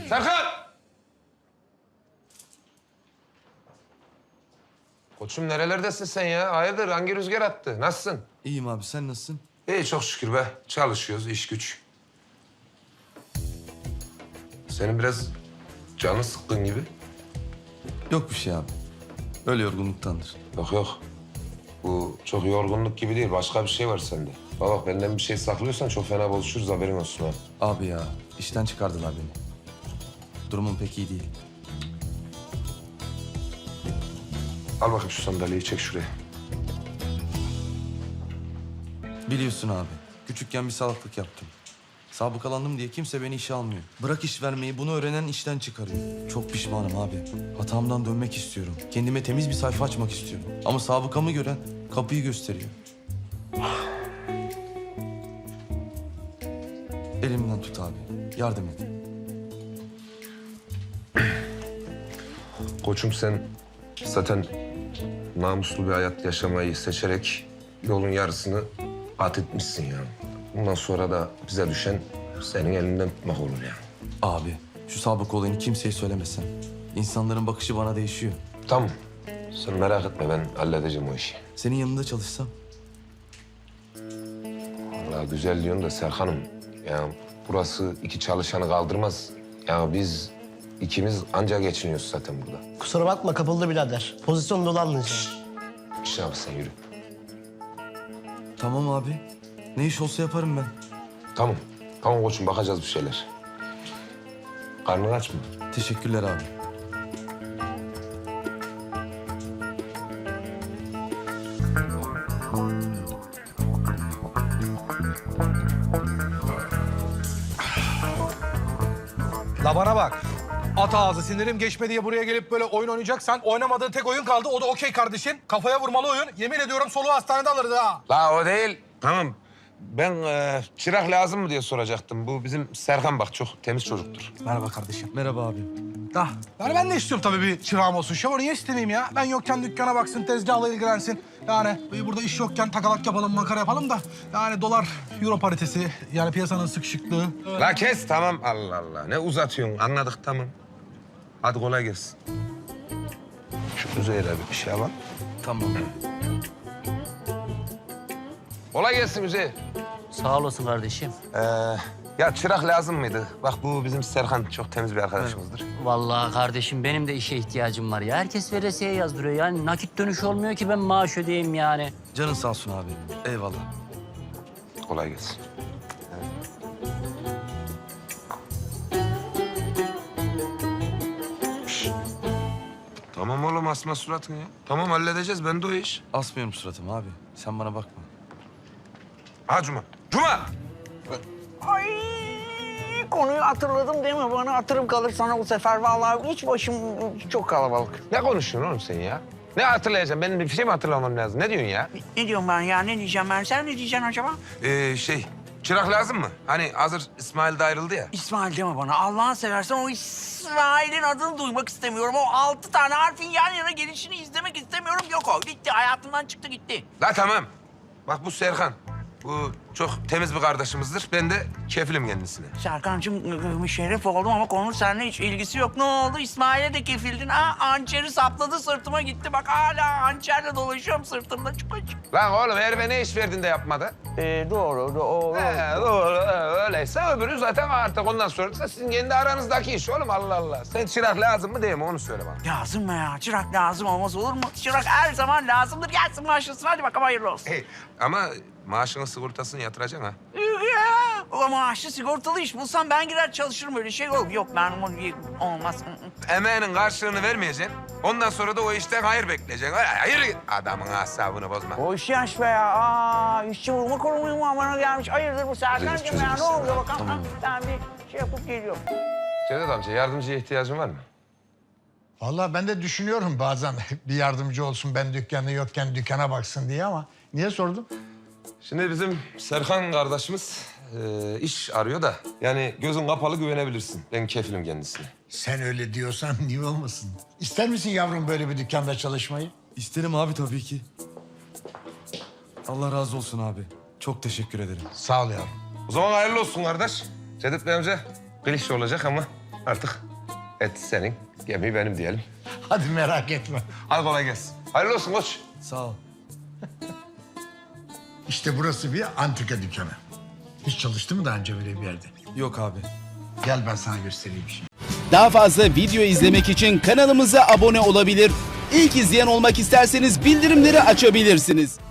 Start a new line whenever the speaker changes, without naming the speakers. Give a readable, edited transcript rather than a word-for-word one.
Serkan! Koçum nerelerdesin sen ya? Hayırdır? Hangi rüzgar attı? Nasılsın?
İyiyim abi, sen nasılsın?
İyi çok şükür be. Çalışıyoruz, iş güç. Senin biraz canın sıkkın gibi.
Yok bir şey abi. Öyle yorgunluktandır.
Yok yok. Bu çok yorgunluk gibi değil. Başka bir şey var sende. Bak benden bir şey saklıyorsan çok fena bozuşuruz, haberin olsun ha.
Abi ya, işten çıkardılar beni. Durumum pek iyi değil.
Al bakayım şu sandalyeyi, çek şuraya.
Biliyorsun abi, küçükken bir salaklık yaptım. Sabıkalandım diye kimse beni işe almıyor. Bırak iş vermeyi, bunu öğrenen işten çıkarıyor. Çok pişmanım abi. Hatamdan dönmek istiyorum. Kendime temiz bir sayfa açmak istiyorum. Ama sabıkamı gören kapıyı gösteriyor. Elimden tut abi. Yardım et.
Koçum sen zaten namuslu bir hayat yaşamayı seçerek yolun yarısını kat etmişsin ya. Bundan sonra da bize düşen senin elinden tutmak olur ya.
Abi, şu sabıka olayını kimseye söylemesen. İnsanların bakışı bana değişiyor.
Tamam. Sen merak etme, ben halledeceğim o işi.
Senin yanında çalışsam.
Vallahi güzel diyorsun da Serkan'ım. Ya burası iki çalışanı kaldırmaz. Ya biz ikimiz anca geçiniyoruz zaten burada.
Kusura bakma kapıldı birader. Pozisyon dolanmayacağım.
İşine bak sen, yürü.
Tamam abi. Ne iş olsa yaparım ben.
Tamam. Tamam koçum, bakacağız bir şeyler. Karnın aç mı?
Teşekkürler abi.
La bana bak. At ağzı, sinirim geçme diye buraya gelip böyle oyun oynayacaksan oynamadığın tek oyun kaldı. O da okey kardeşim. Kafaya vurmalı oyun. Yemin ediyorum soluğu hastanede alırız ha.
La o değil. Tamam. Ben çırak lazım mı diye soracaktım. Bu bizim Serkan bak, çok temiz çocuktur.
Merhaba kardeşim.
Merhaba abi.
Da. Yani ben de istiyorum tabii bir çırağım olsun. Şevval niye istemeyeyim ya? Ben yokken dükkana baksın, tezgahla ilgilensin. Yani burada iş yokken takalak yapalım, makara yapalım da. Yani dolar, euro paritesi, yani piyasanın sıkışıklığı.
La kes, tamam. Allah Allah. Ne uzatıyorsun? Anladık, tamam. Hadi kolay gelsin. Şu Üzeyir'e bir şey alalım.
Tamam.
Kolay gelsin Üzeyir.
Sağ olasın kardeşim.
Ya çırak lazım mıydı? Bak bu bizim Serkan, çok temiz bir arkadaşımızdır.
Vallahi kardeşim benim de işe ihtiyacım var ya. Herkes veresiye yazdırıyor. Yani nakit dönüş olmuyor ki ben maaş ödeyeyim yani.
Canın sağ olsun abi. Eyvallah.
Kolay gelsin. Şşt. Tamam oğlum, asma suratını ya. Tamam, halledeceğiz. Ben de o iş.
Asmıyorum suratımı abi. Sen bana bakma.
Ha Cuma. Cuma!
Ay, konuyu hatırladım değil mi? Bana hatırım kalır sana bu sefer. Vallahi hiç başım çok kalabalık.
Ne konuşuyorsun oğlum sen ya? Ne hatırlayacaksın? Benim bir şey mi hatırlamam lazım? Ne diyorsun ya?
Ne diyorum ben ya? Ne diyeceğim ben? Sen ne diyeceksin acaba?
Çırak lazım mı? Hani hazır İsmail de ayrıldı ya.
İsmail deme bana. Allah'ını seversen o İsmail'in adını duymak istemiyorum. O 6 tane harfin yan yana gelişini izlemek istemiyorum. Yok o. Gitti. Hayatımdan çıktı gitti.
La tamam. Bak bu Serkan. Bu çok temiz bir kardeşimizdir. Ben de kefilim kendisine.
Serkan'cığım şeref oldum ama konunun seninle hiç ilgisi yok. Ne oldu? İsmail'e de kefildin. Ha, hançeri sapladı sırtıma gitti. Bak hala hançerle dolaşıyorum sırtımda. Çık.
Lan oğlum herife ne iş verdin de yapmadı?
Doğru.
Doğru. Öyleyse öbürü zaten artık ondan sonra da sizin kendi aranızdaki iş oğlum, Allah Allah. Sen çırak lazım mı değil mi, onu söyle bana.
Lazım mı ya? Çırak lazım olmaz olur mu? Çırak her zaman lazımdır. Gelsin maaşlasın. Hadi bakalım hayırlı olsun.
Ama maaşının sigortasını yatıracaksın ha.
Ya, o maaşlı sigortalı iş bulsam ben girer çalışırım öyle şey olur. Yok ben olmaz.
Emeğinin karşılığını vermeyeceksin. Ondan sonra da o işten hayır bekleyeceksin. Öyle hayır git. Adamın asabını bozma.
O iş yaş be ya. Aa, işçi vurma kurumu mu bana gelmiş? Hayırdır bu Serkan'cığım ya? Ne oluyor bakalım?
Tamam.
Ben bir şey yapıp geliyorum.
Cevdet amca, yardımcıya ihtiyacın var mı?
Vallahi ben de düşünüyorum bazen bir yardımcı olsun, ben dükkanı yokken dükkana baksın diye, ama niye sordun?
Şimdi bizim Serkan kardeşimiz iş arıyor da. Yani gözün kapalı güvenebilirsin. Ben kefilim kendisine.
Sen öyle diyorsan niye olmasın? İster misin yavrum böyle bir dükkanda çalışmayı?
İsterim abi tabii ki. Allah razı olsun abi. Çok teşekkür ederim.
Sağ ol yavrum.
O zaman hayırlı olsun kardeş. Cevdet Bey amca klişe olacak ama Artık et senin, gemi benim diyelim.
Hadi merak etme.
Hadi kolay gelsin. Hayırlı olsun koç.
Sağ ol.
İşte burası bir antika dükkanı. Hiç çalıştı mı daha önce böyle bir yerde?
Yok abi.
Gel ben sana göstereyim şimdi.
Daha fazla video izlemek için kanalımıza abone olabilir. İlk izleyen olmak isterseniz bildirimleri açabilirsiniz.